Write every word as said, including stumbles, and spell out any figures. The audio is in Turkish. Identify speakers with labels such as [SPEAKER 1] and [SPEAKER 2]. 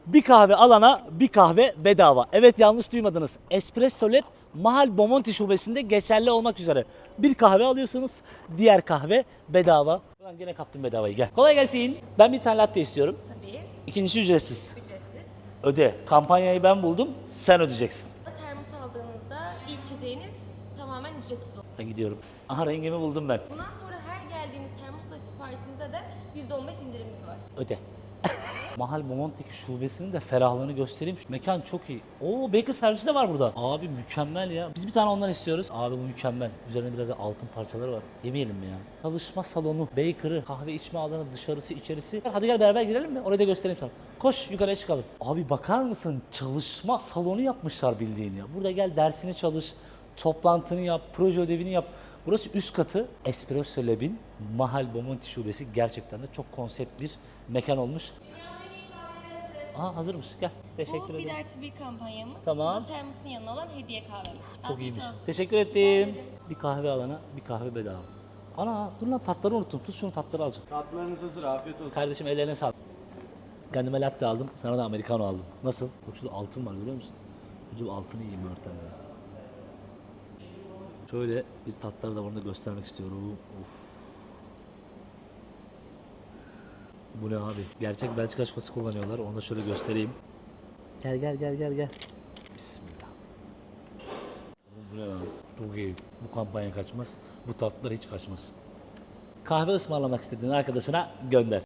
[SPEAKER 1] Bir kahve alana bir kahve bedava. Evet, yanlış duymadınız. Espresso Lab Mahal Bomonti şubesinde geçerli olmak üzere. Bir kahve alıyorsunuz, diğer kahve bedava. Ulan gene kaptım bedavayı, gel. Kolay gelsin. Ben bir tane latte istiyorum.
[SPEAKER 2] Tabii,
[SPEAKER 1] İkincisi ücretsiz.
[SPEAKER 2] ücretsiz.
[SPEAKER 1] Öde. Kampanyayı ben buldum, sen ödeyeceksin.
[SPEAKER 2] Termos aldığınızda ilk içeceğiniz tamamen ücretsiz olur.
[SPEAKER 1] Ben gidiyorum. Aha, rengimi buldum ben.
[SPEAKER 2] Bundan sonra her geldiğiniz termosla siparişinize de yüzde on beş indirimimiz var.
[SPEAKER 1] Öde. Mahal Bomonti'deki şubesinin de ferahlığını göstereyim. Şu mekan çok iyi. Oo, baker servisi de var burada. Abi mükemmel ya. Biz bir tane ondan istiyoruz. Abi bu mükemmel. Üzerinde biraz da altın parçaları var. Yemeyelim mi ya? Çalışma salonu, baker'ı, kahve içme alanı, dışarısı, içerisi. Hadi gel beraber girelim mi? Orayı da göstereyim sana. Koş yukarıya çıkalım. Abi bakar mısın? Çalışma salonu yapmışlar bildiğin ya. Burada gel dersini çalış, toplantını yap, proje ödevini yap. Burası üst katı. Espresso Lab'in Mahal Bomonti şubesi gerçekten de çok konsept bir mekan olmuş. Aha, hazırmış. Gel. Teşekkür
[SPEAKER 2] Bu bir
[SPEAKER 1] ederim.
[SPEAKER 2] artı bir kampanyamız.
[SPEAKER 1] Tamam.
[SPEAKER 2] Bu da termosun yanına olan hediye kahvemiz.
[SPEAKER 1] Çok
[SPEAKER 2] Afiyet
[SPEAKER 1] iyiymiş.
[SPEAKER 2] olsun.
[SPEAKER 1] Teşekkür ettim. Bir kahve alana bir kahve bedava. Ana dur lan, tatları unuttum. Tut şunu, tatları alacağım.
[SPEAKER 3] Tatlarınız hazır, afiyet olsun.
[SPEAKER 1] Kardeşim ellerine sağlık. Kendime latte aldım. Sana da americano aldım. Nasıl? Bak şurada altın var, görüyor musun? Önce bu altını yiyeyim örten ya. Şöyle bir tatları da burada göstermek istiyorum. Of. Bu ne abi? Gerçek Belçika çikolatası kullanıyorlar. Onu da şöyle göstereyim. Gel gel gel gel gel. Bismillah. Oğlum bu ne lan? Çok iyi. Bu kampanya kaçmaz. Bu tatlılar hiç kaçmaz. Kahve ısmarlamak istediğin arkadaşına gönder.